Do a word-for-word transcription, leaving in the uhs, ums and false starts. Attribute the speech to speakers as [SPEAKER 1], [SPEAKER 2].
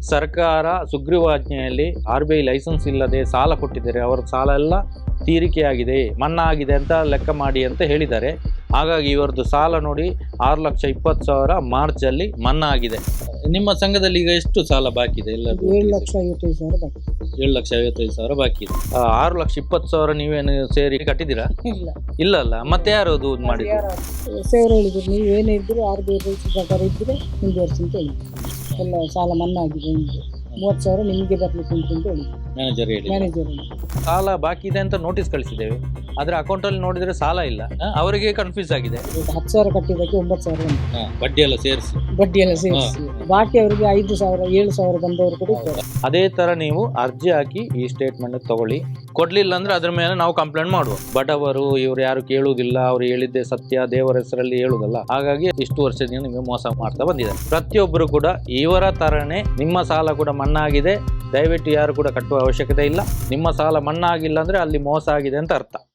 [SPEAKER 1] ಸರ್ಕಾರ ಸುಗ್ರೀವಾಜ್ಞೆಯಲ್ಲಿ R B I license ಇಲ್ಲದೆ ಸಾಲ ಕೊಟ್ಟಿದ್ದಾರೆ, ಅವರ ಸಾಲ ಎಲ್ಲ ತೀರಿಕೆಯಾಗಿದೆ, ಮನ್ನಾ ಆಗಿದೆ ಅಂತ ಲೆಕ್ಕ ಮಾಡಿ ಅಂತ ಹೇಳಿದ್ದಾರೆ. ಹಾಗಾಗಿ ಇವರದ್ದು ಸಾಲ ನೋಡಿ ಆರು ಲಕ್ಷ ಇಪ್ಪತ್ತು ಸಾವಿರ ಮಾರ್ಚ್ ಅಲ್ಲಿ ಮನ್ನಾ ಆಗಿದೆ. ನಿಮ್ಮ ಸಂಘದಲ್ಲಿ ಈಗ ಎಷ್ಟು ಸಾಲ ಬಾಕಿ ಇದೆ? ಎಲ್ಲ
[SPEAKER 2] ಏಳು ಲಕ್ಷ ಐವತ್ತೈದು ಸಾವಿರ ಬಾಕಿ.
[SPEAKER 1] ಏಳು ಲಕ್ಷ ಐವತ್ತೈದು ಸಾವಿರ ಬಾಕಿ ಇದೆ. ಆ, ಆರು ಲಕ್ಷ ಇಪ್ಪತ್ತು ಸಾವಿರ ನೀವೇನು ಸೇರಿ ಕಟ್ಟಿದ್ದೀರಾ?
[SPEAKER 2] ಇಲ್ಲ
[SPEAKER 1] ಇಲ್ಲ ಅಲ್ಲ, ಮತ್ತೆ ಯಾರು ಅದು ಮಾಡಿದ್ರು?
[SPEAKER 2] ಸೇವರು ಹೇಳಿದ್ರು, ನೀವು ಏನೇ ಇದ್ರು ಆರ್ ಬಿ ಐ ರೂಲ್ಸ್ ಪ್ರಕಾರ ಇದ್ದರೆ ಮುಂದುವರಿಸಿ ಅಂತ ಹೇಳಿದ್ರು. ಎಲ್ಲ ಸಾಲ ಮನ್ನಾ ಆಗಿದೆ, ನಿಮಗೆ ಮೂವತ್ತು ಸಾವಿರ ನಿಮಗೆ ಬರ್ಲಿಕ್ಕೆ ಉಂಟು ಅಂತ ಹೇಳಿದ್ರು
[SPEAKER 1] ಮ್ಯಾನೇಜರ್ ಹೇಳಿ.
[SPEAKER 2] ಮ್ಯಾನೇಜರ್.
[SPEAKER 1] ಸಾಲ ಬಾಕಿ ಇದೆ ಅಂತ ನೋಟಿಸ್ ಕಳಿಸಿದ್ದೇವೆ, ಆದ್ರೆ ಅಕೌಂಟ್ ಅಲ್ಲಿ ನೋಡಿದ್ರೆ ಸಾಲ ಇಲ್ಲ. ಆ, ಅವರಿಗೆ ಕನ್ಫ್ಯೂಸ್ ಆಗಿದೆ.
[SPEAKER 2] ಹತ್ತು ಸಾವಿರ ಕಟ್ಟಿದ್ದಕ್ಕೆ ಒಂಬತ್ತು ಸಾವಿರ ಉಂಟು,
[SPEAKER 1] ಆ, ಬಡ್ಡಿ ಎಲ್ಲ ಸೇರಿಸಿ
[SPEAKER 2] ಬಡ್ಡಿ ಎಲ್ಲ ಸೇರಿಸಿ. ಬಾಕಿ ಅವರಿಗೆ ಐದು ಸಾವಿರ ಏಳು ಸಾವಿರ ಬಂದವರು ಕೂಡ ಇದ್ದಾರೆ.
[SPEAKER 1] ಅದೇ ತರ ನೀವು ಅರ್ಜಿ ಹಾಕಿ ಈ ಸ್ಟೇಟ್ಮೆಂಟ್ ತಗೊಳ್ಳಿ. ಕೊಡ್ಲಿಲ್ಲ ಅಂದ್ರೆ ಅದ್ರ ಮೇಲೆ ನಾವು ಕಂಪ್ಲೇಂಟ್ ಮಾಡುವ. ಬಡವರು ಇವ್ರು ಯಾರು ಕೇಳುವುದಿಲ್ಲ, ಅವ್ರು ಹೇಳಿದ್ದೆ ಸತ್ಯ, ದೇವರ ಹೆಸರಲ್ಲಿ ಹೇಳುವುದಲ್ಲ. ಹಾಗಾಗಿ ಇಷ್ಟು ವರ್ಷದಿಂದ ನಿಮಗೆ ಮೋಸ ಮಾಡ್ತಾ ಬಂದಿದೆ. ಪ್ರತಿಯೊಬ್ಬರು ಕೂಡ ಇವರ ತರನೇ ನಿಮ್ಮ ಸಾಲ ಕೂಡ ಮನ್ನಾ ಆಗಿದೆ. ದಯವಿಟ್ಟು ಯಾರು ಕೂಡ ಕಟ್ಟುವ ಅವಶ್ಯಕತೆ ಇಲ್ಲ. ನಿಮ್ಮ ಸಾಲ ಮನ್ನಾ ಆಗಿಲ್ಲ ಅಂದ್ರೆ ಅಲ್ಲಿ ಮೋಸ ಆಗಿದೆ ಅಂತ ಅರ್ಥ.